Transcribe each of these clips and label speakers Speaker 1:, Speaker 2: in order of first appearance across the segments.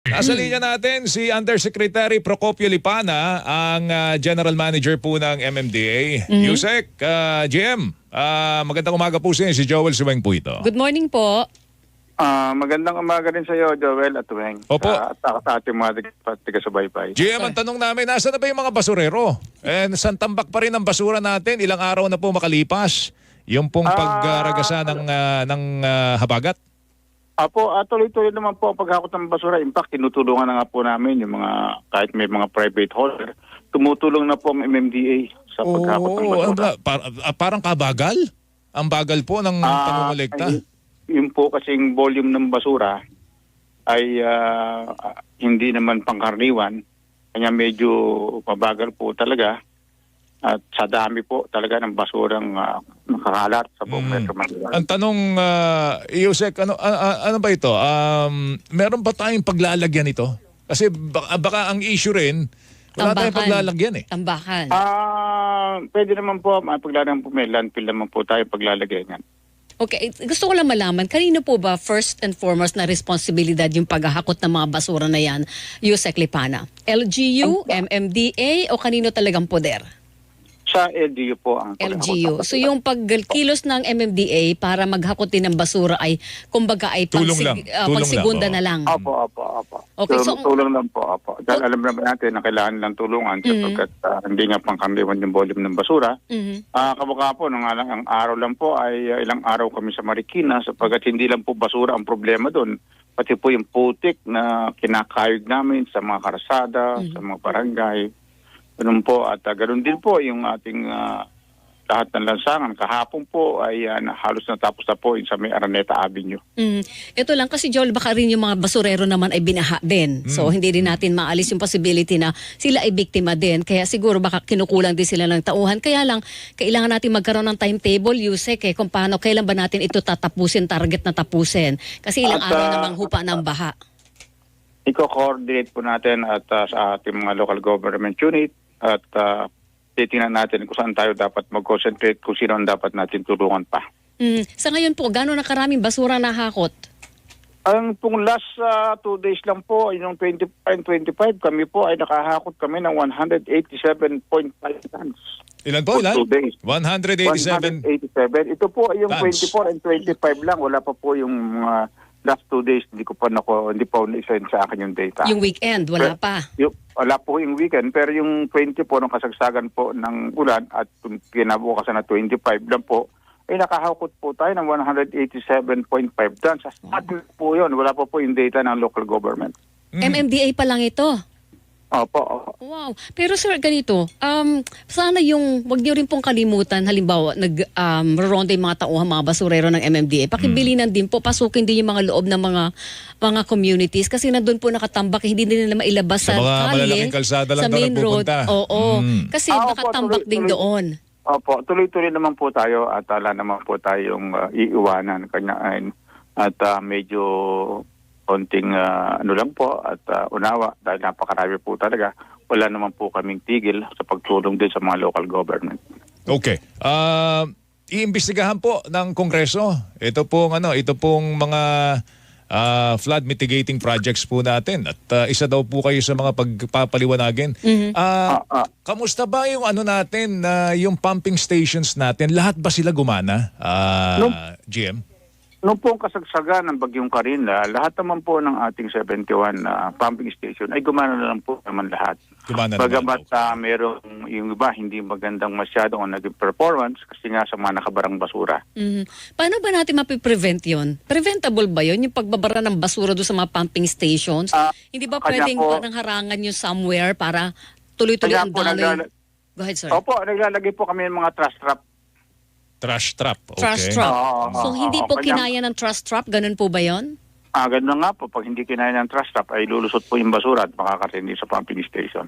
Speaker 1: Nasa linya natin si Undersecretary Procopio Lipana, ang General Manager po ng MMDA. Yusek, GM, magandang umaga po sa inyo. Si Joel Suweng po ito.
Speaker 2: Good morning po.
Speaker 3: Magandang umaga rin sa iyo, Joel at Weng.
Speaker 1: Opo.
Speaker 3: At sa ating mga taga-subaybay.
Speaker 1: GM, ang tanong namin, nasa na ba yung mga basurero? And saan tambak pa rin ang basura natin? Ilang araw na po makalipas yung pong pagragasa ng habagat?
Speaker 3: Apo, tuloy-tuloy naman po ang paghakot ng basura. In fact, tinutulungan na nga po namin yung mga, kahit may mga private hauler, tumutulong na po ang MMDA sa paghakot ng basura.
Speaker 1: Parang kabagal? Ang bagal po ng pangungulekta?
Speaker 3: Yung po kasing volume ng basura ay hindi naman pangkaraniwan. Kanya medyo mabagal po talaga. At sa dami po talaga ng basurang nakakalat sa buong Metro Manila.
Speaker 1: Ang tanong, Yusek, ano ba ito? Meron ba tayong paglalagyan ito? Kasi baka ang issue rin, wala tayong paglalagyan eh.
Speaker 2: Tambakan.
Speaker 3: Pwede naman po, paglalagyan po, may landfill naman po tayo paglalagyan yan.
Speaker 2: Okay, gusto ko lang malaman, kanino po ba first and foremost na responsibilidad yung paghahakot ng mga basura na yan, Yusek Lipana? LGU, MMDA o kanino talagang poder?
Speaker 3: Sa LGU po ang
Speaker 2: LGU. So yung pagkilos ng MMDA para maghakot din ng basura ay kumbaga ay pagsigunda na lang.
Speaker 3: Opo.
Speaker 2: Okay, so
Speaker 3: tulong lang po, opo. Dahil alam naman natin na kailangan lang tulungan sapagkat hindi nga pangkaraniwan yung volume ng basura. Kamukha po, ang araw lang po ay ilang araw kami sa Marikina sapagkat hindi lang po basura ang problema doon. Pati po yung putik na kinakayod namin sa mga karsada, sa mga barangay. Ganun po at ganun din po yung ating lahat ng lansangan. Kahapon po ay halos natapos na po yung sa may Araneta Avenue.
Speaker 2: Ito lang kasi Joel, baka rin yung mga basurero naman ay binaha din. So hindi rin natin maalis yung possibility na sila ay biktima din. Kaya siguro baka kinukulang din sila ng tauhan. Kaya lang, kailangan natin magkaroon ng timetable, Yusek, kung paano, kailan ba natin ito tatapusin, target na tapusin. Kasi ilang araw namang hupa ng baha.
Speaker 3: Iko-coordinate po natin at sa ating mga local government unit at titingnan natin kung saan tayo dapat mag-concentrate, kung sino ang dapat natin tulungan pa.
Speaker 2: Sa ngayon po, gano'n na karaming basura nahakot?
Speaker 3: Ang pong last 2 days lang po, yung 25 kami po ay nakahakot kami ng 187.5 tons.
Speaker 1: Ilan po? Ilan?
Speaker 3: 2 days.
Speaker 1: 187.
Speaker 3: 187. Ito po ay yung
Speaker 1: Tons.
Speaker 3: 24 and 25 lang. Wala pa po yung last 2 days. Hindi pa na-send sa akin yung data.
Speaker 2: Yung weekend, wala pa?
Speaker 3: Wala po yung weekend. Pero yung 20 po, nung kasagsagan po ng ulan at kinabukasan na 25 lang po, ay nakahakot po tayo ng 187.5 tons. Sa atin po yun. Wala pa po yung data ng local government.
Speaker 2: MMDA pa lang ito?
Speaker 3: Opo.
Speaker 2: Wow. Pero sir, ganito, sana yung, wag niyo rin pong kalimutan, halimbawa, nag-ronda yung mga tauhan, mga basurero ng MMDA, pakibilinan din po, pasukin din yung mga loob ng mga communities kasi nandun po nakatambak, hindi din nila mailabas sa
Speaker 1: mga
Speaker 2: kalye,
Speaker 1: malalaking kalsada lang
Speaker 2: sa
Speaker 1: daw
Speaker 2: main road.
Speaker 1: nagpupunta.
Speaker 2: Oo. Kasi nakatambak din doon.
Speaker 3: Opo, tuloy-tuloy naman po tayo at wala naman po tayong iiwanan at medyo konting ano lang po at unawa dahil napakarami po talaga. Wala naman po kaming tigil sa pagtulong din sa mga local government.
Speaker 1: Okay. Iimbestigahan po ng Kongreso ito pong mga flood mitigating projects po natin at isa daw po kayo sa mga pagpapaliwanagin. Kamusta ba yung natin yung pumping stations natin? Lahat ba sila gumana? GM?
Speaker 3: Noong po ang kasagsagan ng Bagyong Karina, lahat naman po ng ating 71 pumping station ay gumana na lang po naman lahat. Bagamat merong yung iba hindi magandang masyado ang naging performance kasi nga sa mga nakabarang basura.
Speaker 2: Paano ba natin mapiprevent yun? Preventable ba yun? Yung pagbabara ng basura doon sa mga pumping stations? Hindi ba pwedeng parang harangan yun somewhere para tuloy-tuloy ang daloy? Go ahead, sir.
Speaker 3: Opo, naglalagay po kami ng mga trash trap.
Speaker 1: Trash trap, okay.
Speaker 2: Trash trap. So hindi po kinaya ng trash trap? Ganun po ba yun?
Speaker 3: Ganun nga po. Pag hindi kinaya ng trash trap ay lulusot po yung basura at makakatindi sa pumping station.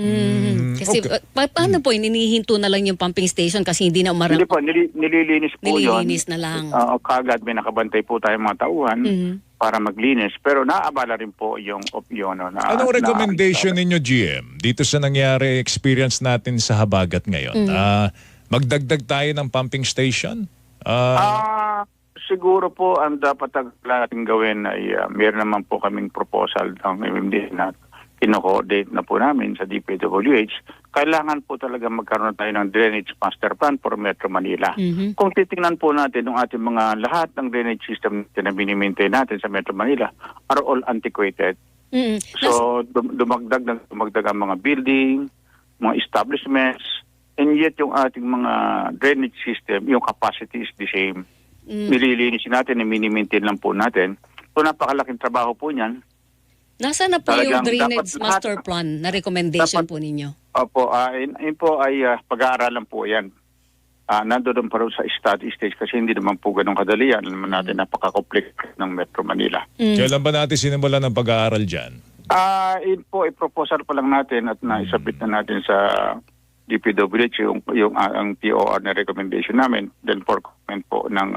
Speaker 2: Kasi paano po, inihinto na lang yung pumping station kasi hindi na umarang?
Speaker 3: Hindi po, nililinis po yun.
Speaker 2: Nililinis na lang.
Speaker 3: Kagad may nakabantay po tayo mga tauhan para maglinis. Pero naabala rin po yung opyon.
Speaker 1: Anong recommendation ninyo, GM, dito sa nangyari experience natin sa habagat ngayon? Magdagdag tayo ng pumping station?
Speaker 3: siguro po ang dapat natin gawin ay meron naman po kaming proposal ng MMDA na kino-coordinate na po namin sa DPWH. Kailangan po talaga magkaroon tayo ng drainage master plan for Metro Manila. Kung titingnan po natin yung ating mga lahat ng drainage system na binimaintain natin sa Metro Manila are all antiquated. So dumagdag ang mga building, mga establishments, and yet yung ating mga drainage system, yung capacity is the same. Nililinisin natin, mini-maintain lang po natin. So napakalaking trabaho po niyan.
Speaker 2: Nasaan na po yung
Speaker 3: Talagang
Speaker 2: drainage
Speaker 3: dapat
Speaker 2: master
Speaker 3: lahat-
Speaker 2: plan na recommendation
Speaker 3: dapat-
Speaker 2: po ninyo?
Speaker 3: Opo, yun po ay pag-aaralan po yan. Nandoon pa rin sa study stage kasi hindi naman po ganun kadali yan. Alam natin napaka-complex ng Metro Manila.
Speaker 1: Kailan ba natin sinimulan ng pag-aaral dyan?
Speaker 3: Yun po, i-proposal pa lang natin at naisabit na natin sa DPWH yung ang TOR na recommendation namin, then for comment po ng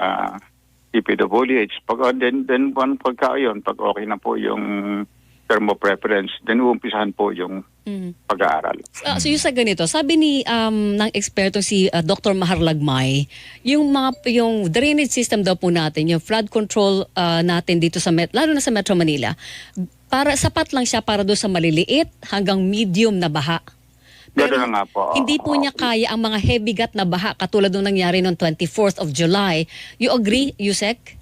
Speaker 3: DPWH. Then pagka okay na po yung term of preference, then uumpisahan po yung pag-aaral.
Speaker 2: So yung sa ganito, sabi ni ng eksperto si Dr. Maharlagmay, yung drainage system daw po natin, yung flood control natin dito sa lalo na sa Metro Manila, para sapat lang siya para doon sa maliliit hanggang medium na baha. Pero
Speaker 3: Gano'n na nga po.
Speaker 2: hindi po niya kaya ang mga heavy gut na baha katulad nung nangyari noong 24th of July. You agree, Yusek?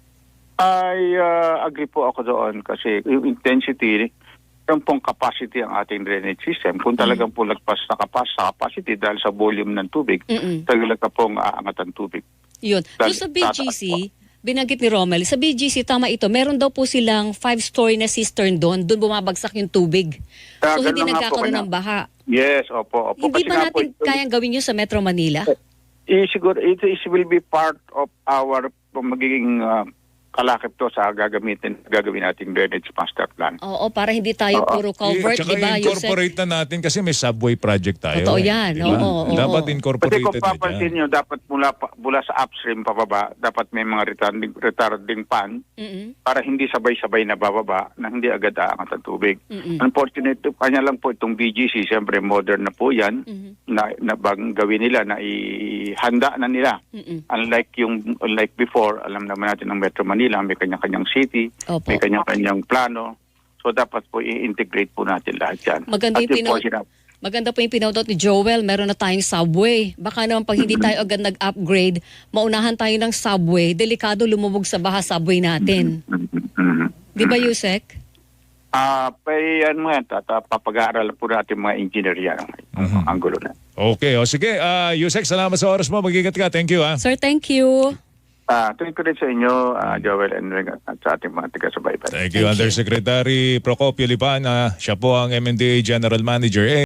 Speaker 3: I agree po ako doon kasi yung intensity, yung pong capacity ang ating drainage system. Kung talagang po lagpas na sa capacity dahil sa volume ng tubig, talaga pong aangat ang tubig.
Speaker 2: Yun. So sa BGC, binanggit ni Romel, sa BGC, tama ito, meron daw po silang 5-story na cistern doon bumabagsak yung tubig. So hindi
Speaker 3: ganun nga po,
Speaker 2: nagkakaroon
Speaker 3: kanya.
Speaker 2: ng baha.
Speaker 3: Yes, opo.
Speaker 2: Hindi
Speaker 3: Kasi
Speaker 2: ba
Speaker 3: nga po,
Speaker 2: natin kayang gawin yun sa Metro Manila?
Speaker 3: siguro, it will be part of our magiging kalakip to sa gagawin nating drainage master plan.
Speaker 2: Oo, para hindi tayo puro culvert,
Speaker 1: Tsaka
Speaker 2: di ba, Yusek?
Speaker 1: incorporate na natin kasi may subway project tayo.
Speaker 2: Totoo yan,
Speaker 1: Di ba?
Speaker 2: oo.
Speaker 1: Dapat
Speaker 3: Kasi
Speaker 1: incorporated
Speaker 3: kung
Speaker 1: na
Speaker 3: papansin
Speaker 1: dyan.
Speaker 3: nyo, dapat mula sa upstream pababa, dapat may mga retarding pan para hindi sabay-sabay na bababa na hindi agad aangat ang tubig. Unfortunately, kanya lang po itong BGC, siyempre modern na po yan, na bagong gawin nila, na ihanda na nila. Unlike before, alam naman natin ng Metro Manila, may kanya-kanyang city,
Speaker 2: Opo.
Speaker 3: may kanya-kanyang plano. So dapat po i-integrate po natin lahat yan.
Speaker 2: Maganda
Speaker 3: At
Speaker 2: yung
Speaker 3: yun po sinabi-
Speaker 2: Maganda po yung pinautot ni Joel, meron na tayong subway. Baka naman pag hindi tayo agad nag-upgrade, maunahan tayo ng subway, delikado lumubog sa baha subway natin. Di ba, Yusek?
Speaker 3: Papag-aaral po natin mga engineer yan ang angulo na.
Speaker 1: Okay, sige. Yusek, salamat sa oras mo. Mag-ingat ka. Thank you.
Speaker 2: Sir, thank you.
Speaker 3: Tuwing ko rin sa inyo, Joel and Ring, at sa ating mga taga-subaybay.
Speaker 1: Thank you, Undersecretary Procopio Lipan. Siya po ang MMDA General Manager.